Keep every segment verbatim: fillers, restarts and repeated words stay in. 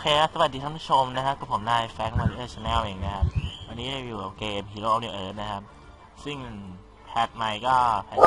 เคครับสวัสดีท่านผู้ชมนะครับกับผมนายแฟงมาริเออร์ชาแนลเองนะครับวันนี้อยู่กับเกม Hero of the Earth นะครับซึ่งแพทใหม่ก็แพท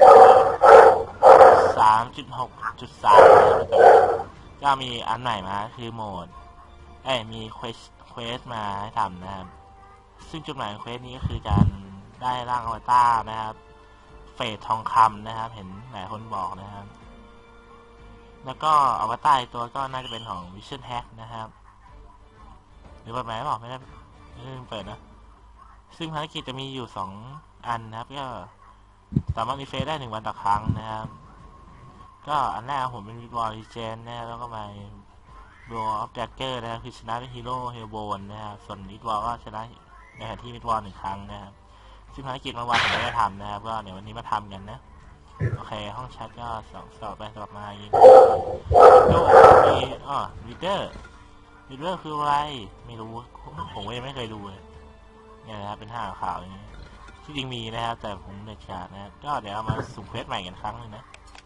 สามจุดหกจุดสามก็มีอันใหม่มาคือโหมดเอ้ยมีเควสเควสมาให้ทำนะครับซึ่งจุดหมายของเควสนี้ก็คือการได้ร่างอวตารนะครับเฟสทองคำนะครับเห็นหลายคนบอกนะครับแล้วก็อวตารตัวก็น่าจะเป็นของ Vision Hack นะครับหรือเปิดไหมบอกไม่ได้ไม่ได้เปิดนะซึ่งภารกิจจะมีอยู่สองอันนะครับก็สามารถรีเฟรชได้หนึ่งวันต่อครั้งนะครับก็อันแรกผมเป็นวิดวอลลีเจนนะแล้วก็มาบออฟแดกเกอร์นะครับคือชนะเป็นฮีโร่เฮลโบนนะครับส่วนวิดวอลก็ชนะในขณะที่วิดวอลหนึ่งครั้งนะครับซึ่งภารกิจเมื่อวานผมไม่ได้ทำนะครับก็เดี๋ยววันนี้มาทำกันนะโอเคห้องแชทก็สอบสอบไปสอบมายิงโน้มีอ๋อลีดเดอร์ลีดเดอร์คืออะไรไม่รู้ผมก็ยังไม่เคยดูเลยเนี่ยนะครับเป็นห้าข่าวอย่างนี้ที่จริงมีนะครับแต่ผมเด็ดขาดนะครับก็เดี๋ยวเอามาสุ่มเควสใหม่กันครั้งนึงนะ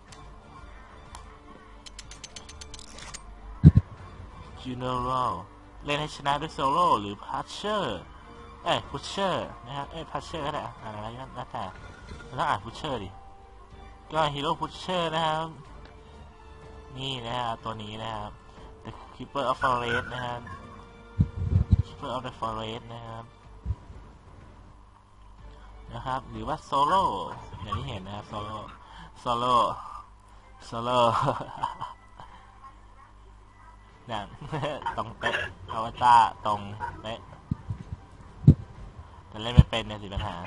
จูเนอรัลเล่นให้ชนะด้วยโซโล่หรือพัชเชอร์เอ้ยพุชเชอร์นะครับเอ้ยพัชเชอร์ก็ได้อ่านอะไรก็แล้วแต่แล้วอ่านพุชเชอร์ดิก็ฮีโร่พุชเชอร์นะครับนี่นะครับตัวนี้นะครับ The Keeper of Forest นะครับ Keeper of the Forest นะครับนะครับหรือว่าโซโล่อย่างที่เห็นนะครับโซโล่โซโล่โซโล่เนี่ยตรงเป๊ะอวตารตรงเป๊ะแต่เล่นไม่เป็นเนี่ยสิปัญหา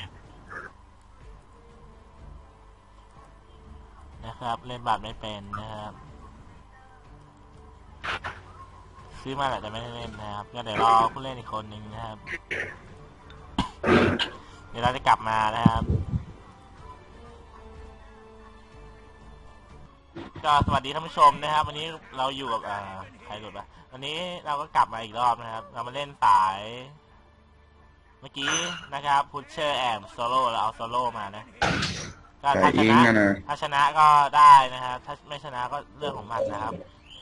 นะครับเล่นบาทไม่เป็นนะครับซื้อมาแหละแต่ไม่ได้เล่นนะครับก็เดี๋ยวรอผู้เล่นอีกคนหนึ่งนะครับเดี๋ยวเราจะกลับมานะครับก็สวัสดีท่านผู้ชมนะครับวันนี้เราอยู่กับอ่าใครหลุดปะวันนี้เราก็กลับมาอีกรอบนะครับเรามาเล่นสายเมื่อกี้นะครับพุชเชอร์แอมโซโล่เราเอาโซโล่มานะก็ถ้าชนะถ้าชนะก็ได้นะครับถ้าไม่ชนะก็เรื่องของมันนะครับ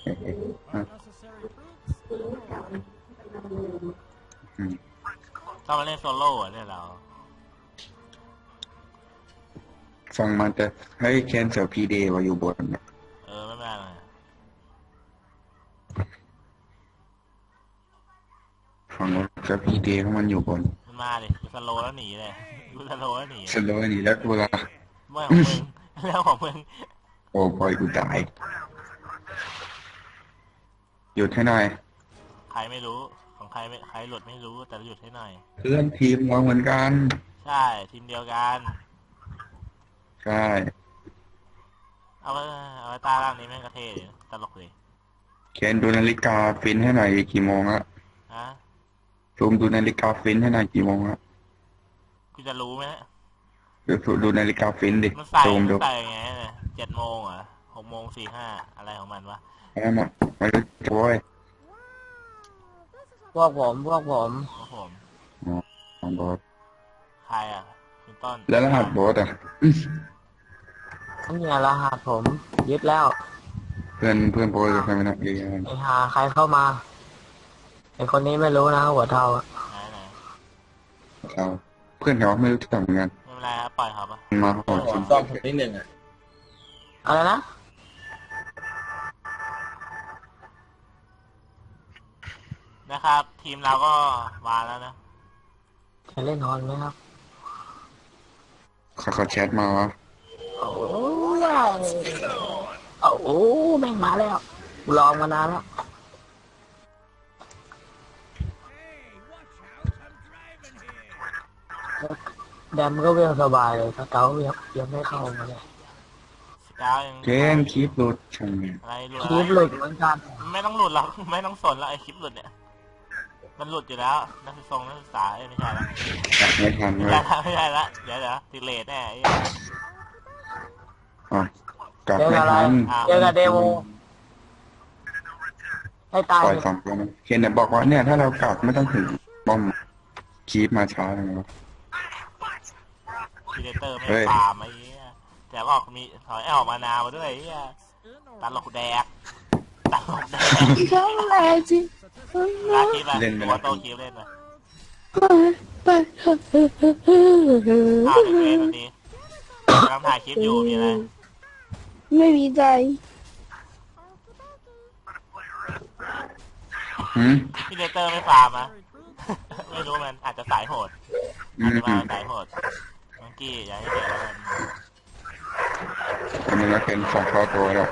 ต้องมาเล่นโซโล่เนี่ยเราฟังมาแต่ให้แคนเซลพีเดย์ว่าอยู่บนเออไม่เป็นไรฟังว่าจะพีเดย์ของมันอยู่บนมันมาดิสโลแล้วหนีเลยดูสโลแล้วหนีสโลว์นี่แล้วกูละเมื่อของมึงแล้วของมึงโอ้ปล่อยกูตายหยุดให้หน่อยใครไม่รู้ของใครไม่ใครหลุดไม่รู้แต่หยุดให้หน่อยเพื่อนทีมวางเหมือนกันใช่ทีมเดียวกันใช่เอาไปเอาไปตาล่างนี้แม่งกระเทยตลกเลยเคนดูนาฬิกาฟินให้หน่อยกี่โมงละฮะซูมดูนาฬิกาฟินให้หน่อยกี่โมงละกูจะรู้ไหมดูดูนาฬิกาฟินดิมันใส่ซูมดูใส่ไงเนี่ยเจ็ดโมงเหรอหกโมงสี่ห้าอะไรของมันวะอะไรมาไม่รู้จะโว้ยพวกผมพวกผมพวกผมอ๋อบอสใครอ่ะคุณต้นแล้วรหัสบอสอ่ะนี่รหัสผมยึดแล้วเพื่อนเพื่อนโบสใครไม่นักเรียนไอ้หาใครเข้ามาไอ้คนนี้ไม่รู้นะหัวเทาอะไหนไหนเราเพื่อนเขาไม่รู้จักเหมือนกันไม่เป็นไรครับปล่อยเขาปะมาขอชิมซ่อมผมนิดหนึ่งอะอะไรนะนะครับทีมเราก็มาแล้วนะจะเล่นฮอนไหมครับเขาเขาแชทมาวะโอ้ยโอ้แม่งมาแล้วลองมานานแล้วแดมก็เวียงสบายเลยถ้าเก้ายังยังไม่เข้ามาเลยเกนคลิปหลุดช่างเนี่ยอะไรหลุดคลิปหลุดเหมือนกันไม่ต้องหลุดหรอกไม่ต้องสนแล้วไอคลิปหลุดเนี่ยมันหลุดอยู่แล้วนักศึกษานักศึกษาเอ้ยไม่ใช่ละไม่ทันเลยไม่ใช่ละเดี๋ยวเดี๋ยวติเลทแน่อ่ะกลับไม่ทันเจอกับเดโมให้ตายปล่อยสองตัวนะเคนเนี่ยบอกว่าเนี่ยถ้าเรากลับไม่ต้องถึงบอมคีปมาช้าเลยนะพีเดเตอร์ไม่ตามไอ้เหี้ยแต่ว่ามีถอยออกมานามาด้วยไอ้เหี้ยตลกแดกตลกแดกใช่เลยจริงลาคลิปอะตัวโตคลิปเล่นนะไปเถอะอ้าวเด็กเล่นวันนี้กำลังถ่ายคลิปอยู่มีอะไรไม่มีใจหืมพี่เลเตอร์ไม่ฟาร์มอะไม่รู้มันอาจจะสายโหดอือาจมจะมาสายโหดมังกี้อย่าให้เสียแล้วกันอันนี้ก็เป็นสองเข้าตัวแล้ว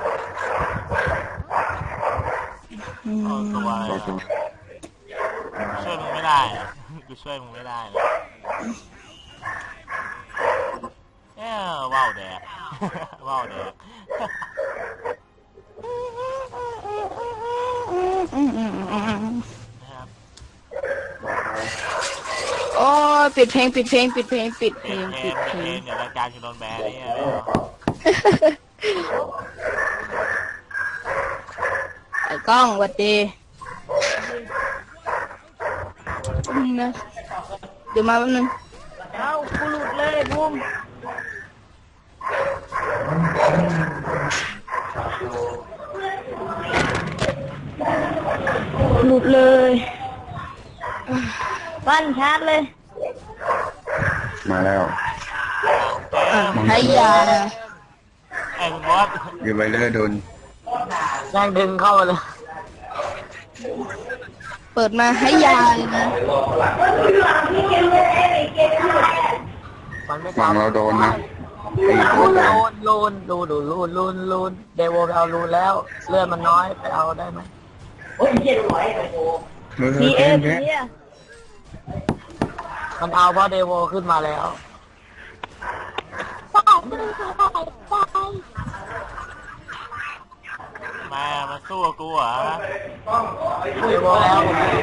เอาตัวอะไรเข้าตัวอะช่วยมึงไม่ได้อะกูช่วยมึงไม่ได้เลยเอ้อว้าวแดก ว้าวแดก นะครับโอ้ยปิดเพลงปิดเพลงปิดเพลงปิดเพเพลลงงเพลปิงดเพเพลลงงเดี๋ยวรายการจะโดนแบนเนี่ยไม่เอาไอ้กล้องหวัดดีอืมนะเดี๋ยวมาแป๊บนึงเอากูหลุดเลยบุ้มหลุดเลยบ้านชาร์จเลยมาแล้วอ่ะให้ยาไอ้คุณบอสยูไวเลอร์โดนแรงดึงเข้ามาเลย เปิดมาให้ยาเลยนะฝั่งเราโดนนะไอ้ตัวโดนลูนลูนดูดูลูนลูนลูนเดวไปเอาลูนแล้วเลือดมันน้อยไปเอาได้ไหมเฮ้ยเกมแค่มันเอาเพราะเดวขึ้นมาแล้วมามาสู้กับกูเหรอเดวแล้ว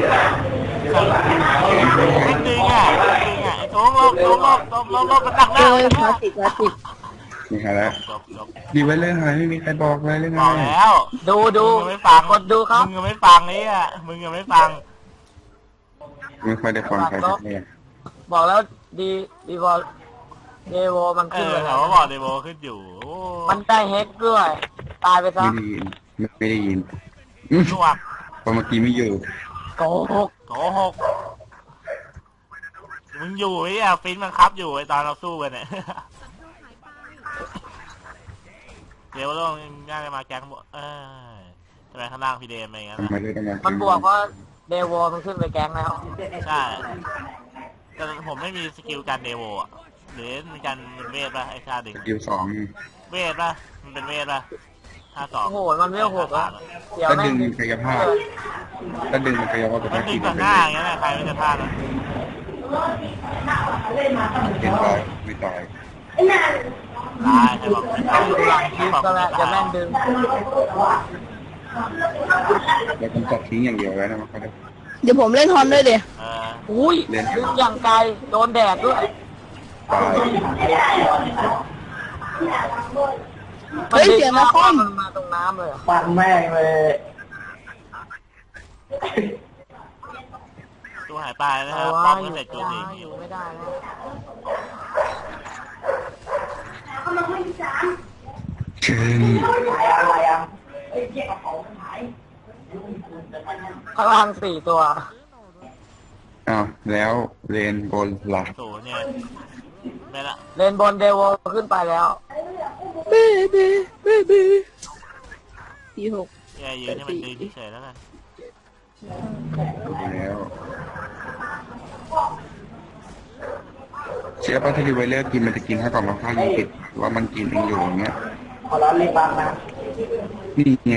ไม่ดึงอ่ะไม่ดึงอ่ะไอ้โถงลบโถงลบลบลบลบมันดักหน้าเอ้ยมันพลาสติกพลาสติกนี่ฮะแล้วจบจบยูไวเลอร์หายไม่มีใครบอกเลยเลยไงบอกแล้วดูดูมึงยังไม่ฟังกดดูครับมึงยังไม่ฟังนี่อ่ะมึงยังไม่ฟังไม่ค่อยได้ฟังใครสักเนี่ยบอกแล้วดีดีวอลเดวมันเอขึ้นอเลยเขาก็บอกเดโมขึ้นอยู่โอ้มันได้เฮกด้วย ตายไปซะไม่ได้ยินไม่ได้ยินอืมลวกเพราะเมื่อกี้ไม่อยู่โกหกโกหกมึงอยู่ไอ้อะฟินมันครับอยู่ไอ้ตอนเราสู้กันเนี่ย เดี๋ยวลงน่าจะมาแก๊งบวกเออทำไมข้างล่างพี่เดมอะไรอย่างเงี้ยทำไมเลยต้องมามันบวกเพราะเดวมันขึ้นไปแก๊งแล้วใช่แต่ผมไม่มีสกิลการเดโวอะหรือมีการเป็นเวทป่ะไอ้ชาดึงสกิลสองเวทป่ะมันเป็นเวทป่ะห้าสองโอ้โหมันไม่หกแล้วเดี๋ยวถ้าแม่ดึงงกายภาพถ้าดึงมันกายภาพจะมันได้ดึกิงนต่อหน้าอย่างเงี้ยนะใครมันจะพลาดอ่ะเป็นตายไม่ตายตายใครบอกไม่ตายหลังคลิปก็แล้วจะแม่งดึงเรากำจัดทิ้งอย่างเดียวแล้วนะมันก็ได้เดี๋ยวผมเล่นฮอนด้วยเดี๋ยวเอออุ้ยดึงอย่างไกลโดนแดดด้วยตายเฮ้ยเสียงนะคอมมันมาตรงน้ำเลยเหรอฟังแม่งเลยตัวหายไปนะคแต่รับว่าป้อมอก็ยู่เสร็จตัวไม่เอได้งอยู่ไม่ได้แล้วเชิญพลังสี่ตัวอ้าวแล้วเลนบนหลักศูนย์เนี่ยไม่ละเลนบนเดวขึ้นไปแล้วเบเบเบเบสี่หกแกยืนให้มันดึงเฉยๆแล้วกันแล้วเชื่อป่ะถ้ารีไวเลอร์กินมันจะกินให้กล่องละห้ายี่สิบว่ามันกินเองอยู่อย่างเงี้ยขอร้อนรีบบังนะนี่ไง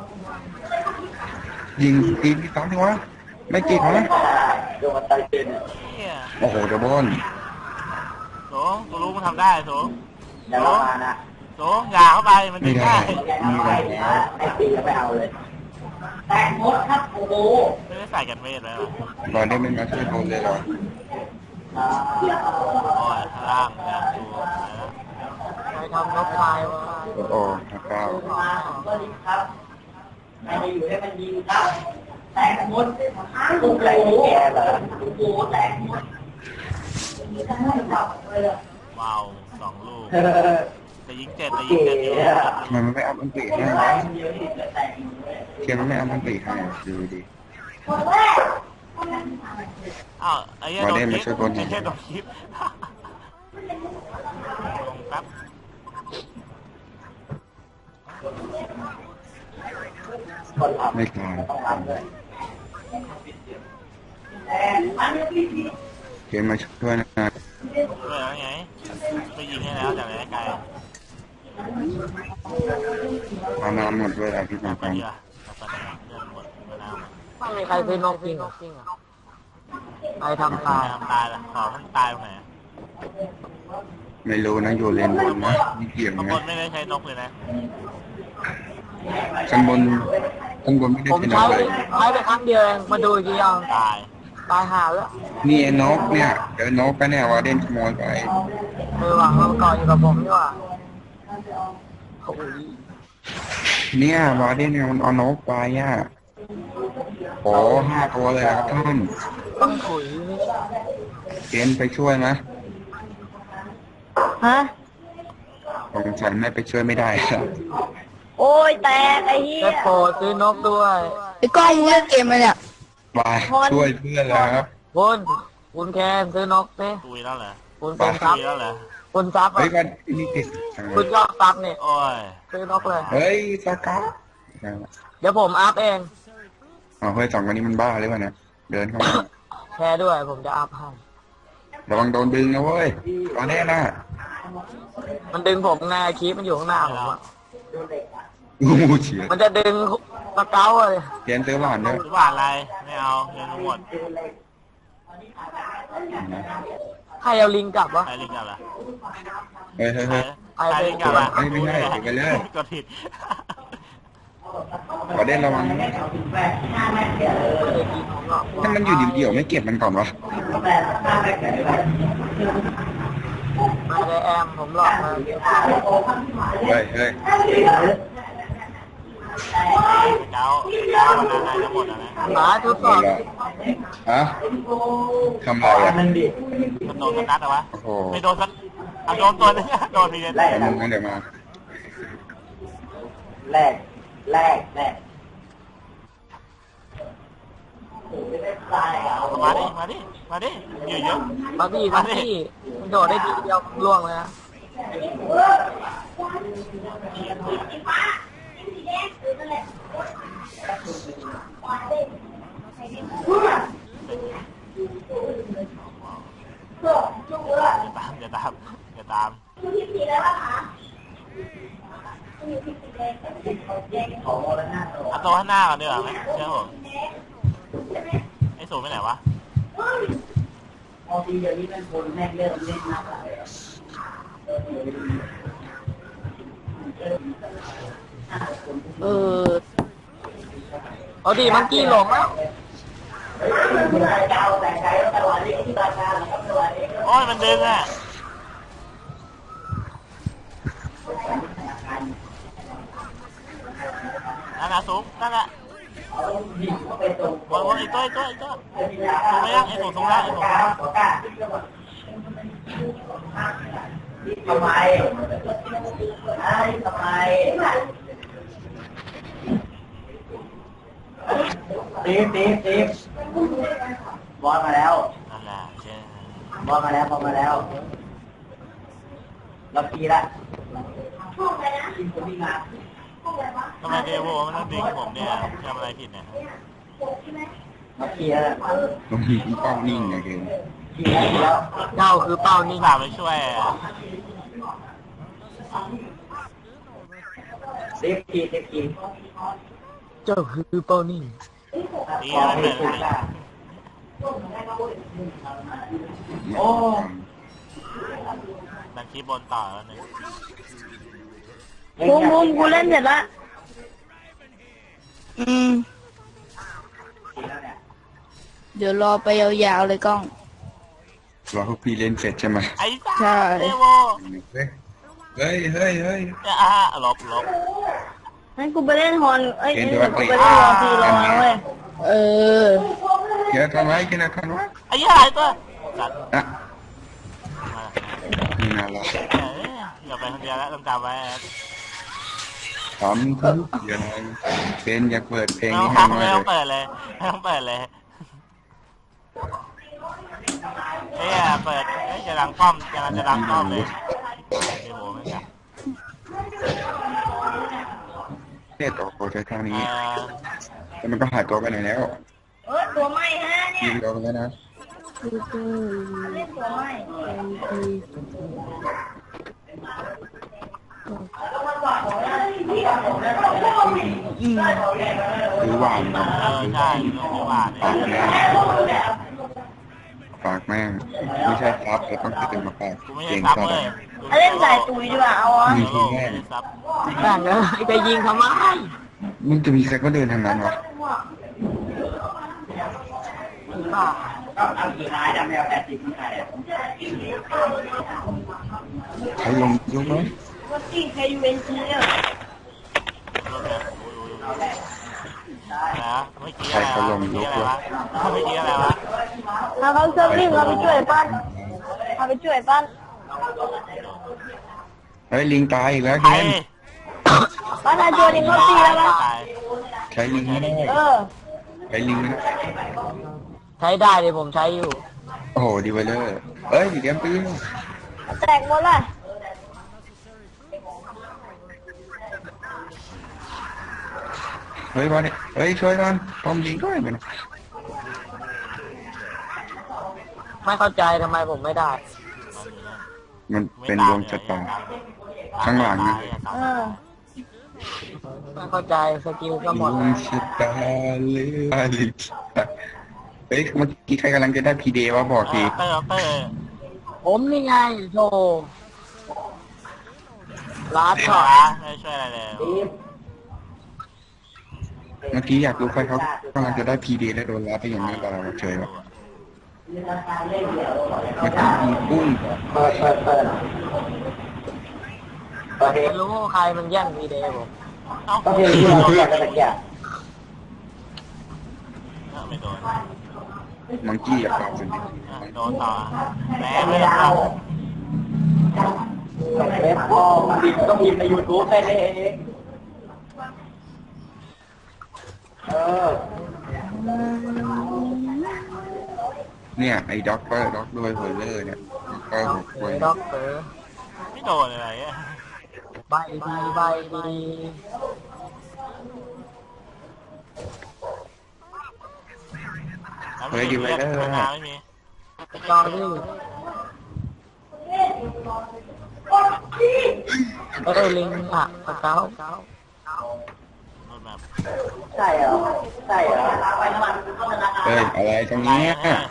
ยิงกินที่สองทีวะไม่กินเหรอดวงตาเจนเฮียโอ้โหเดบอนโถงกูรู้มันทำได้โถงอย่าโถมาง มานะโถงอย่าเข้าไปมันไม่ดึงได้ได้มีอะไรแล้วไอ้ปีก็ไม่เอาเลย แต่งมดครับโอ้โหไม่ได้ใส่กันเวทไว้หรอตอนนี้ไม่มาช่วยโดนเลยเหรอโอ้ยข้างล่างนะดูนะไปทำนกพายวะโอ้โหห้าเก้าสวัสดีครับใครจะอยู่ให้มันยิงครับ แต่งมดโอ้โหแโอ้โหแต่งมดว้าวสองลูกแต่ยิงเจ็ดแต่ยิงเจ็ดอยู่ทำไมมันไม่อัพอันติให้วะเทียมมันไม่อัพอันติให้อ่ะดูดิอ้าวไอ้เหี้ยมาโดเด่นนคลิมาปช่วยบนหน่ไอ้อยเหี้ยโดนคลิปลงแป๊บไม่ตายเกมมาช่วยนะด้วยแล้วไงไปยิงให้แล้วจากไหนไกลเอาน้ำหมดด้วยอะพี่จัมาบไปฟังดีกว่าจับไปดีกว่าเรื่องหมดมะนาวหมดไม่มีใครซื้อนกจริงเหรอใครทำตายทำตายละขอมันตายตรงไหนไม่รู้นะอยู่เลนบนนะนี่เกี่ยงข้างบนะนไม่ได้ใช้นกเลยนะข้างบนข้างบนไม่ได้ผมเป็นใช้อะไรใช้ไปครั้งเดียวเองมาดูอีกทียังตายตายหาแล้วนี่ไอ้นกเนี่ยเดี๋ยวนกก็เนี่ยวาเด่นขโมยไปเออว่ะมันก่อนอยู่กับผมนี่ว่ะโอ้ยเนี่ยวาเด่นเนี่ยมันเอานกไปอ่ะโอ้ห้าตัวเลยครับท่านต้องถุยนี่เกณฑ์ไปช่วยนะฮะสงสัยไม่ไปช่วยไม่ได้ครับโอ้ยแตกไอ้เหี้ยได้โปรดซื้อนกด้วยไอ้กล้องมึงเล่นเกมมาเนี่ยไปช่วยเพื่อนแล้วครับคุณคุณแคนซื้อนกสิตุยแล้วเหรอคุณเป็นซับตุยแล้วเหรอคุณซับเฮ้อ่ะยวันนี้ติดคุณชอบซับเนี่ยโอ้ยซื้อนกเลยเฮ้ยสกัดเดี๋ยวผมอัพเองอ๋อเฮ้ยสองคนนี้มันบ้าหรือเปล่าเนี่ยเดินเข้ามาแชร์ด้วยผมจะอัพให้ระวังโดนดึงนะเว้ยตอนนี้นะมันดึงผมไงคลิปมันอยู่ข้างหน้าผมอะงูเฉียดมันจะดึงสเกลเลยเกณฑ์ซื้อหวานด้วยหรือว่าอะไรไม่เอาเงินหมดให้เอาลิงกลับวะใครลิงก์กันล่ะเฮ้ยเฮ้ยใครเฮ้ยใครลิงก์กันล่ะเฮ้ยไม่ใช่เก็บไปเลยกดผิดวาเด่นระวังนะไม่ได้กินผมหรอกถ้ามันอยู่เดี่ยวๆไม่เก็บมันก่อนวะมาได้แอมผมหลอกเลยเฮ้ยเฮ้ยเจ้าเจ้าวันนั้นนายจะหมดแล้วนะหมาทุกหมสอดบแล้วฮะทำไรอ่ะมันโดนสักนัดเหรอวะโอ้โหไม่โดนสักอ่ะโดนตัวนึงอะโดนทีเดียวเดี๋ยวมึงงั้นเดี๋ยวมาแรกแรกแรกมาดิมาดิมาดิอยู่เยอะมาพี่มาพี่มันโดดได้ทีเดียวล่วงเลยนะตามอย่าตามอย่าตามเอาตัวข้างหน้าก่อนดีกว่าไหมเชื่อผมไอ้สูงไปไหนวะพอทีเดียวนี้เป็นคนแม่งเริ่มเล่นนักแล้วเออเอาดิมันกี้หลงแล้วเจ้าแต่ใจตลอดนี้ที่ราคาแล้วตลอดนี้โอ้ยมันดึงอ่ะนั่นน่ะสูงนั่นแหละยิงเข้าไปตรงวนวนอีกตัวอีกตัวอีกตัวสูงไหมยังไอ้สูงสูงแล้วไอ้สูงทำไมไอ้ทำไมตีตีตีบอลมาแล้วนั่นแหละเช่นบอลมาแล้วบอลมาแล้วเราปีละทีมคนที่งานทำไมเดโวมันต้องดึงผมเนี่ยทำอะไรผิดเนี่ยเราปีละตรงนี้ป้องนิ่งไงเกมปีแล้วเจ้าคือเป้านี่นิ่งฝากไปช่วยเซฟทีเซฟทีเจ้าคือเป้านิ่งดีมันเหมือนโอ้ดันคีบบนต่อแล้วนึงบูมบูมกูเล่นเสร็จละอืม เดี๋ยวรอไปยาวๆเลยกล้องรอพวกพี่เล่นเสร็จใช่ไหมไอ้สัสใช่เดโวเฮ้ยเฮ้ยเฮ้ยเฮ้ยอ่ะลบลบงั้นกูไปเล่นฮอนเอ้ยเกมงั้นตัวกูติไปเล่นรอซีรอนะเว้ย เออเกียร์ทำไว้กินอะไรทำไว้ไอ้ยี่หายตัวสัตว์อ่ะมานี่น่ารักเอ้ยอย่าไปคนเดียวแล้วต้องจำไว้ทำทุกอย่างเป็นอยากเปิดเพลงไม่นี้ต้ให้องมาไม่เลต้อย งเปิดเลยไม่ต้องเปิดเลยเอ้ยเปิดเอ้ยจะดังป้อมจะจะดังป้อมเลยโอ้โหไม่จับเนี่ยตัวโปรใช้ทางเอนี้อแต่มันก็หายตัวไปไหนแล้วเออตัวไหม้ฮะเนี่ยิยงเราไปแล้วนะเล่นตัวไหม้หรือหวานนะเออใช่ต้องมีหวานปากเนี่แม่ยงปากแม่งไม่ใช่ครับแต่ต้องติดมาปากกูไม่เก่ใช่งซับซะเลยเล่นสายตุยดีกว่าเอาอ่ะเดี๋ยวโลกไม่ได้ซับแบ่งเลยจะยิงทำไมมึงจะมีใครก็เดินทางนั้นวะบ้าเอากี่ไม้ดำแมวแปดสิบมันใครอ่ะใครลงยกไหมวันที่ใครอยู่เอ็นจีเนี่ยรถเนี่ยโอ้ยโอ้ยโอ้ยนะเมื่อกี้อะไรวะเมื่อกี้อะไรวะเมื่อกี้อะไรวะถ้าเขาเซิร์ฟลิงเราไปช่วยปั้นเอาไปช่วยปั้นเฮ้ยลิงตายอีกแล้วใครเกมปั้นอาโจดิงเขาตีแล้วปะตายใช้ลิงไม่ได้เออใช้ลิงไม่ได้ใช้ได้เลยผมใช้อยู่โอ้โหดีไวเลอร์เอ้ยเกมปีนแตกหมดละเฮ้ยบอลเนี่ยเฮ้ยช่วยกันพร้อมยิงด้วยมันไม่เข้าใจทำไมผมไม่ได้มันเป็นดวงชะตา ข้างหลังนะเออไม่เข้าใจสกิลก็หมดดวงชะตาเลือลิเฮ้ยเมื่อกี้ใครกำลังจะได้พีเดย์วะบอกทีเตอร์เตอร์ผมนี่ไงโธ่ลาดไม่ช็อตไม่ช่วยอะไรเลยเมื่อกี้อยากรู้ใครเขากำลังจะได้พีเดย์แล้วโดนรับไปอย่างนี้กับเราเฉยหรอเมื่อกี้ยิงปุ้งเปิดเปิดเปิดเปิดเพลงไม่รู้ใครมันแย่งวีเดย์ผมเอ้าก็เพลงที่เราอยากจะตะเกียบไม่โดนมังกี้อยากตอบสุดดิโดนต่อแม่ไม่ได้ต่อเว็บพ่อพิมพ์ต้องพิมพ์ในยูทูบได้เลยเองเออเนี่ยไอ้ด็อกเตอร์ด็อกด้วยเฮอร์เลอร์เนี่ยก็หกคเฮ้นยด็อกเตอร์ไม่โดนอะไรอ่ะใบดีใบดีเฮ้ยดีไปเลยไม่มีจอรี่เออลิงอ่ะสเกาเกาโดนแบบใช่เหรอใช่เหรอไปน้ำมันเข้าธนาคารเฮ้ยอะไรตรงไรนี้อ่ะ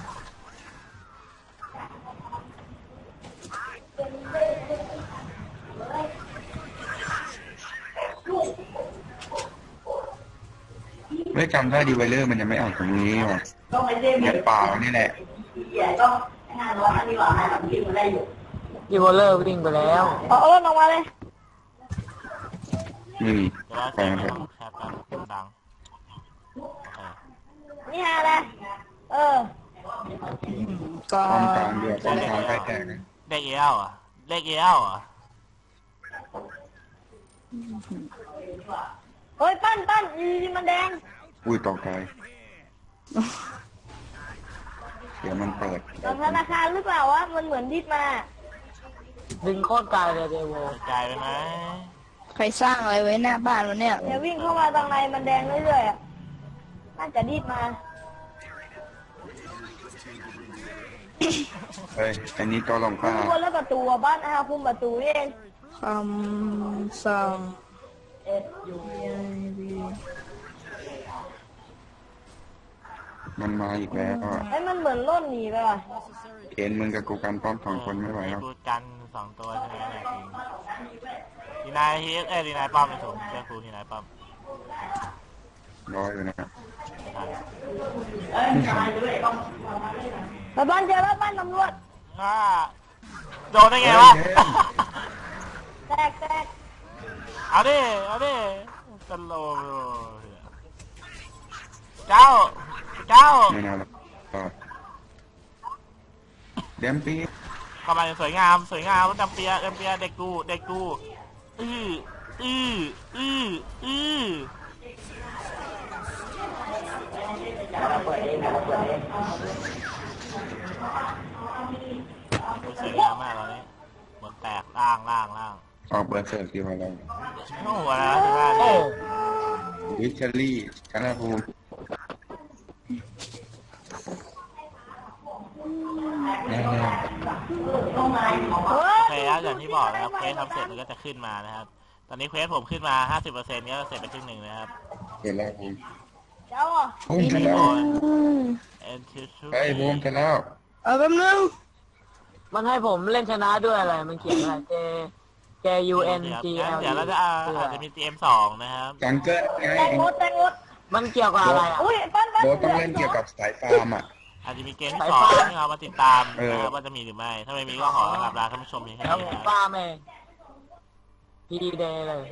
ไม่จำได้ดีไวเลอร์มันยังไม่ออกตรงนี้ว่ะต้องไปเล่นเนี่ยป่านี่แหละเหี้ยต้องงานร้อนอันนี้หว่าให้ทำที่มันได้อยู่อีโวเลอร์วิ่งไปแล้วเอาเอารถออกมาเลยนี่เดี๋ยวเราไปใส่กันเถไม่อะต้องแชทกันดังโอเคนี่ฮะนะเออ ก็ป้อมกลางเดียวป้อมกลางใกล้แตกนะเลขเอลอ่ะเลขเอลอ่ะเฮ้ยปั้นปั้นอีมันแดงอุ้ยตกใจเดี๋ยวมันเปิดจากธนาคารหรือเปล่าวะมันเหมือนดิดมาดึงโคตรไกลเลยเดโวใจไปไหมใครสร้างอะไรไว้หน้าบ้านวะเนี่ยเนี่ยวิ่งเข้ามาทางในมันแดงเรื่อยๆอ่ะน่าจะดิดมาเฮ้ยอันนี้ตัวลงป้าบนแล้วประตูอะบ้านอาคุมประตูเองคำสั่งมันมาอีกแล้วอ่ะไอ้ยมันเหมือนล่นหนีไปว่ะเอ็นมึงกับกูกันป้อมสองคนไม่ไหวแล้วกูกันสองตัวใช่ไหมเนี่ยจริงดีนายฮีเอ้ยดีนายป้อมไปสูงเจ้าครูดีนายป้อมรออยู่นะไปบ้านเจอแล้วบ้านตำรวจอ่าโดนได้ไงวะแตกแตกเอาดิ เอาดิตลกเจ้า เจ้าไม่น่าหรอกก็เดมปีเข้ามาสวยงาม สวยงามจำเปียจำเปียเด็กกู เด็กกู อื้ออืออืออือเราเปิดเองนะเราเปิดเองสวยงามมากตอนนี้หมดแตกล่างล่างล่างออกเบอร์เสิร์ฟดีมาแล้วโอ้โหนะที่บ้านโอ้นี่วิชลี่ชนะภูมิแน่เฮ้โอย เคครับอย่างที่บอกนะครับเควสทำเสร็จมันก็จะขึ้นมานะครับตอนนี้เควสผมขึ้นมา ห้าสิบเปอร์เซ็นต์ ก็เสร็จไปครึ่งหนึ่งนะครับๆเห็นแล้วภูมิเจ้าอ่ะภูมิเสร็จแล้วเอ็นทิชูเฮ้ยภูมิเสร็จแล้วเออแป๊บนึงมันให้ผมเล่นชนะด้วยอะไร มันเขียนอะไร J J U N G L เดี๋ยวเราจะอาอาจจะมี ที เอ็ม สองนะครับจังเกิลไงแตงหมดแตงหมดมันเกี่ยวกับอะไรอ่ะอุ้ยปั้นปั้นโบทต้องเล่นเกี่ยวกับสายฟาร์มอ่ะอาจจะมีเกมที่สองที่เรามาติดตามเออนะครับว่าจะมีหรือไม่ ถ้าไม่มีก็ขอลาท่านผู้ชมเพียงแค่แล้วนี้ผมนะครับป้าเองพีเดย์เลย